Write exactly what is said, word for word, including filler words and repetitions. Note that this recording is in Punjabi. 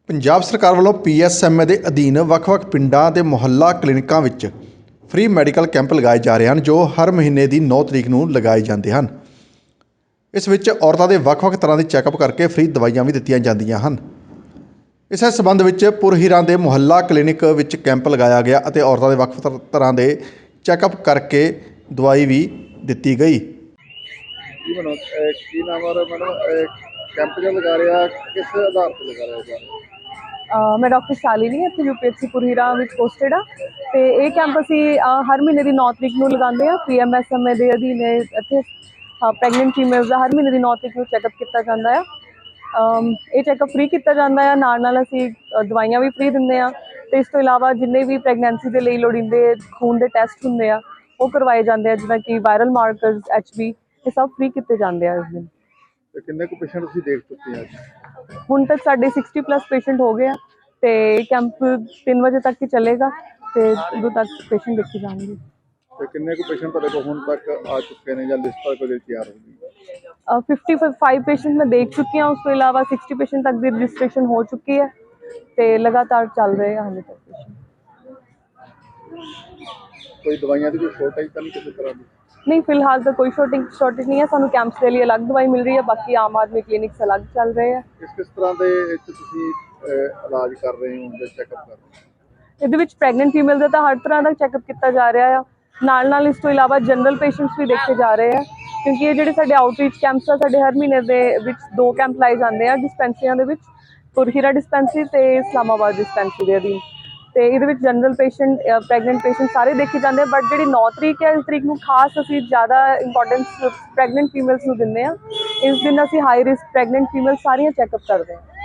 ਪੰਜਾਬ ਸਰਕਾਰ ਵੱਲੋਂ ਪੀ ਐਸ ਐਮ ਏ ਦੇ ਅਧੀਨ ਵੱਖ-ਵੱਖ ਪਿੰਡਾਂ ਦੇ ਮੁਹੱਲਾ ਕਲੀਨਿਕਾਂ ਵਿੱਚ ਫ੍ਰੀ ਮੈਡੀਕਲ ਕੈਂਪ ਲਗਾਏ ਜਾ ਰਹੇ ਹਨ, ਜੋ ਹਰ ਮਹੀਨੇ ਦੀ ਨੌਂ ਤਰੀਕ ਨੂੰ ਲਗਾਏ ਜਾਂਦੇ ਹਨ। ਇਸ ਵਿੱਚ ਔਰਤਾਂ ਦੇ ਵੱਖ-ਵੱਖ ਤਰ੍ਹਾਂ ਦੇ ਚੈੱਕਅਪ ਕਰਕੇ ਫ੍ਰੀ ਦਵਾਈਆਂ ਵੀ ਦਿੱਤੀਆਂ ਜਾਂਦੀਆਂ ਹਨ। ਇਸੇ ਸੰਬੰਧ ਵਿੱਚ ਪੁਰਹੀਰਾਂ ਦੇ ਮੁਹੱਲਾ ਕਲੀਨਿਕ ਵਿੱਚ ਕੈਂਪ ਲਗਾਇਆ ਗਿਆ ਅਤੇ ਔਰਤਾਂ ਦੇ ਵੱਖ ਤਰ੍ਹਾਂ ਦੇ ਚੈੱਕਅਪ ਕਰਕੇ ਦਵਾਈ ਵੀ ਦਿੱਤੀ ਗਈ। ਕੀ ਬਣੋ ਕੀ ਨਾਮ ਆ ਮੈਡਮ ਕੈਂਪ ਜੋ ਲਗਾ ਰਿਹਾ ਕਿਸ ਆਧਾਰ ਤੇ ਲਗਾ ਰਿਹਾ ਅ ਮੈਂ ਡਾਕਟਰ ਸ਼ਾਲਿਨੀ ਇੱਥੇ ਯੂ ਪੀ ਐਸ ਸੀ ਪੁਰਹੀਰਾ ਵਿੱਚ ਪੋਸਟਡ ਆ ਅਤੇ ਇਹ ਕੈਂਪ ਅਸੀਂ ਅ, ਹਰ ਮਹੀਨੇ ਦੀ ਨੌਂ ਤਰੀਕ ਨੂੰ ਲਗਾਉਂਦੇ ਹਾਂ। P M S M A ਦੇ ਅਧੀਨ ਇੱਥੇ ਪ੍ਰੈਗਨੈਂਟ ਫੀਮੇਲਸ ਦਾ ਹਰ ਮਹੀਨੇ ਦੀ ਨੌਂ ਤਰੀਕ ਨੂੰ ਚੈੱਕਅਪ ਕੀਤਾ ਜਾਂਦਾ ਆ। ਅਮ, ਇਹ ਚੈੱਕਅਪ ਫ੍ਰੀ ਕੀਤਾ ਜਾਂਦਾ ਆ, ਨਾਲ ਨਾਲ ਅਸੀਂ ਅ, ਦਵਾਈਆਂ ਵੀ ਫ੍ਰੀ ਦਿੰਦੇ ਹਾਂ ਅਤੇ ਇਸ ਤੋਂ ਇਲਾਵਾ ਜਿੰਨੇ ਵੀ ਪ੍ਰੈਗਨੈਂਸੀ ਦੇ ਲਈ ਲੋੜੀਂਦੇ ਖੂਨ ਦੇ ਟੈਸਟ ਹੁੰਦੇ ਆ ਉਹ ਕਰਵਾਏ ਜਾਂਦੇ ਆ, ਜਿੱਦਾਂ ਕਿ ਵਾਇਰਲ ਮਾਰਕਰਸ, ਐਚ ਬੀ, ਇਹ ਸਭ ਫ੍ਰੀ ਕੀਤੇ ਜਾਂਦੇ ਆ ਇਸ ਦਿਨ। ਤੇ ਕਿੰਨੇ ਕੁ ਪੇਸ਼ੈਂਟ ਤੁਸੀਂ ਦੇਖ ਚੁੱਕੇ ਆ? ਹੁਣ ਤੱਕ ਸਾਡੇ ਸਿਕਸਟੀ ਪਲੱਸ ਪੇਸ਼ੈਂਟ ਹੋ ਗਏ ਆ ਅਤੇ ਕੈਂਪ ਤਿੰਨ ਵਜੇ ਤੱਕ ਹੀ ਚੱਲੇਗਾ ਅਤੇ ਉਦੋਂ ਤੱਕ ਪੇਸ਼ੈਂਟ ਦੇਖੇ ਜਾਣਗੇ। ਤੇ ਕਿੰਨੇ ਕੁ ਪੇਸ਼ੈਂਟ ਤੁਹਾਡੇ ਕੋਲ ਹੁਣ ਤੱਕ ਆ ਚੁੱਕੇ ਨੇ ਜਾਂ ਲਿਸਟ ਕਦੇ ਤਿਆਰ ਹੋ ਗਈ? ਫਿਫਟੀ ਫਾਈਵ ਪੇਸ਼ੈਂਟ ਮੈਂ ਦੇਖ ਚੁੱਕੀ ਹਾਂ, ਉਸ ਤੋਂ ਇਲਾਵਾ ਸਿਕਸਟੀ ਪੇਸ਼ੈਂਟ ਤੱਕ ਦੀ ਰਜਿਸਟ੍ਰੇਸ਼ਨ ਹੋ ਚੁੱਕੀ ਹੈ ਅਤੇ ਲਗਾਤਾਰ ਚੱਲ ਰਹੇ ਆ ਹਾਲੇ ਤੱਕ ਪੇਸ਼ੈਂਟ। ਕੋਈ ਦਵਾਈਆਂ ਦੀ ਕੋਈ ਸ਼ੋਰਟੇਜ ਤਾਂ ਨਹੀਂ ਕਿਸੇ ਤਰ੍ਹਾਂ ਦੀ? ਨਹੀਂ, ਫਿਲਹਾਲ ਤਾਂ ਕੋਈ ਸ਼ੋਰਟਿੰਗ ਸ਼ੋਰਟੇਜ ਨਹੀਂ ਹੈ। ਸਾਨੂੰ ਕੈਂਪਸ ਦੇ ਲਈ ਅਲੱਗ ਦਵਾਈ ਮਿਲ ਰਹੀ ਹੈ, ਬਾਕੀ ਆਮ ਆਦਮੀ ਕਲੀਨਿਕਸ ਅਲੱਗ ਚੱਲ ਰਹੇ ਆ। ਕਿਸ ਕਿਸ ਤਰ੍ਹਾਂ ਦੇ ਇੱਥੇ ਤੁਸੀਂ ਅਹ, ਇਲਾਜ ਕਰ ਰਹੇ ਹੋ ਜਾਂ ਚੈੱਕਅਪ ਕਰ ਰਹੇ ਹੋ? ਇਹਦੇ ਵਿੱਚ ਪ੍ਰੈਗਨੈਂਟ ਫੀਮੇਲ ਦਾ ਤਾਂ ਹਰ ਤਰ੍ਹਾਂ ਦਾ ਚੈੱਕਅਪ ਕੀਤਾ ਜਾ ਰਿਹਾ ਆ, ਨਾਲ ਨਾਲ ਇਸ ਤੋਂ ਇਲਾਵਾ ਜਨਰਲ ਪੇਸ਼ੈਂਟਸ ਵੀ ਦੇਖੇ ਜਾ ਰਹੇ ਆ, ਕਿਉਂਕਿ ਇਹ ਜਿਹੜੇ ਸਾਡੇ ਆਊਟਰੀਚ ਕੈਂਪਸ ਆ, ਸਾਡੇ ਹਰ ਮਹੀਨੇ ਦੇ ਵਿੱਚ ਦੋ ਕੈਂਪ ਲਾਏ ਜਾਂਦੇ ਆ ਡਿਸਪੈਂਸਰੀਆਂ ਦੇ ਵਿੱਚ, ਪੁਰਹੀਰਾ ਡਿਸਪੈਂਸਰੀ ਅਤੇ ਇਸਲਾਮਾਬਾਦ ਡਿਸਪੈਂਸਰੀ ਦੇ ਅਧੀਨ। ਅਤੇ ਇਹਦੇ ਵਿੱਚ ਜਨਰਲ ਪੇਸ਼ੈਂਟ, ਪ੍ਰੈਗਨੈਂਟ ਪੇਸ਼ੈਂਟ ਸਾਰੇ ਦੇਖੇ ਜਾਂਦੇ ਆ, ਬਟ ਜਿਹੜੀ ਨੌਂ ਤਰੀਕ ਹੈ ਇਸ ਤਰੀਕ ਨੂੰ ਖਾਸ ਅਸੀਂ ਜ਼ਿਆਦਾ ਇੰਪੋਰਟੈਂਸ ਪ੍ਰੈਗਨੈਂਟ ਫੀਮੇਲਸ ਨੂੰ ਦਿੰਦੇ ਹਾਂ। ਇਸ ਦਿਨ ਅਸੀਂ ਹਾਈ ਰਿਸਕ ਪ੍ਰੈਗਨੈਂਟ ਫੀਮੇਲ ਸਾਰੀਆਂ ਚੈੱਕਅਪ ਕਰਦੇ ਹਾਂ।